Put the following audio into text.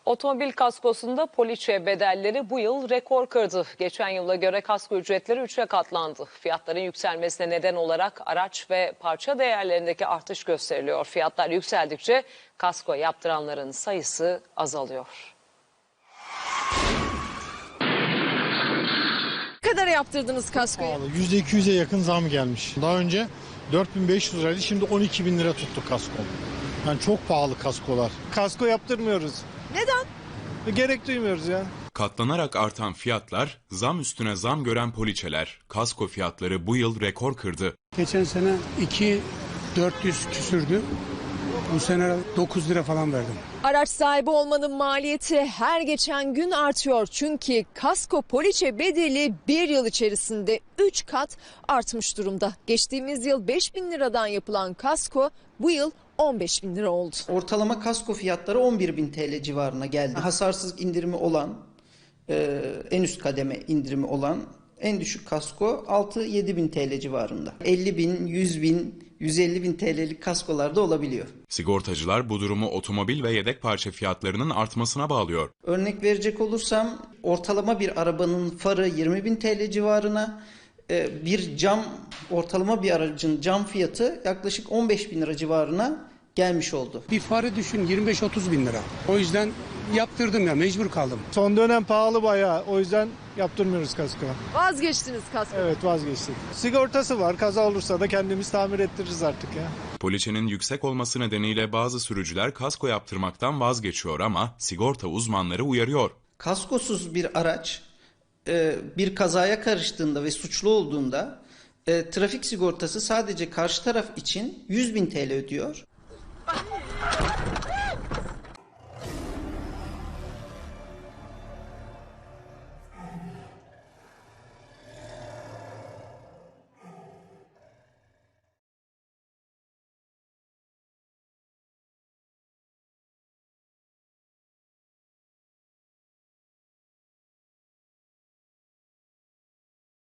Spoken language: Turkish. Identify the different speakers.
Speaker 1: Otomobil kaskosunda poliçe bedelleri bu yıl rekor kırdı. Geçen yıla göre kasko ücretleri 3'e katlandı. Fiyatların yükselmesine neden olarak araç ve parça değerlerindeki artış gösteriliyor. Fiyatlar yükseldikçe kasko yaptıranların sayısı azalıyor.
Speaker 2: Ne kadar yaptırdınız kaskoyu?
Speaker 3: %200'e yakın zam gelmiş. Daha önce 4.500 liraydı, şimdi 12.000 lira tuttu kasko. Yani çok pahalı kaskolar.
Speaker 4: Kasko yaptırmıyoruz.
Speaker 2: Neden?
Speaker 4: Gerek duymuyoruz ya.
Speaker 5: Katlanarak artan fiyatlar, zam üstüne zam gören poliçeler, kasko fiyatları bu yıl rekor kırdı.
Speaker 6: Geçen sene 2.400 küsürdü. Bu sene 9 lira falan verdim.
Speaker 2: Araç sahibi olmanın maliyeti her geçen gün artıyor. Çünkü kasko poliçe bedeli bir yıl içerisinde 3 kat artmış durumda. Geçtiğimiz yıl 5.000 liradan yapılan kasko bu yıl 15.000 lira oldu.
Speaker 7: Ortalama kasko fiyatları 11.000 TL civarına geldi. Hasarsız indirimi olan, en üst kademe indirimi olan en düşük kasko 6-7.000 TL civarında. 50.000, 100.000, 150.000 TL'lik kaskolar da olabiliyor.
Speaker 5: Sigortacılar bu durumu otomobil ve yedek parça fiyatlarının artmasına bağlıyor.
Speaker 7: Örnek verecek olursam ortalama bir arabanın farı 20.000 TL civarına, ortalama bir aracın cam fiyatı yaklaşık 15.000 lira civarına gelmiş oldu.
Speaker 6: Bir farı düşün 25-30 bin lira. O yüzden yaptırdım ya, mecbur kaldım.
Speaker 4: Son dönem pahalı bayağı. O yüzden yaptırmıyoruz kasko.
Speaker 2: Vazgeçtiniz kasko.
Speaker 4: Evet, vazgeçtik. Sigortası var. Kaza olursa da kendimiz tamir ettiririz artık ya.
Speaker 5: Poliçenin yüksek olması nedeniyle bazı sürücüler kasko yaptırmaktan vazgeçiyor ama sigorta uzmanları uyarıyor.
Speaker 7: Kaskosuz bir araç bir kazaya karıştığında ve suçlu olduğunda trafik sigortası sadece karşı taraf için 100.000 TL ödüyor.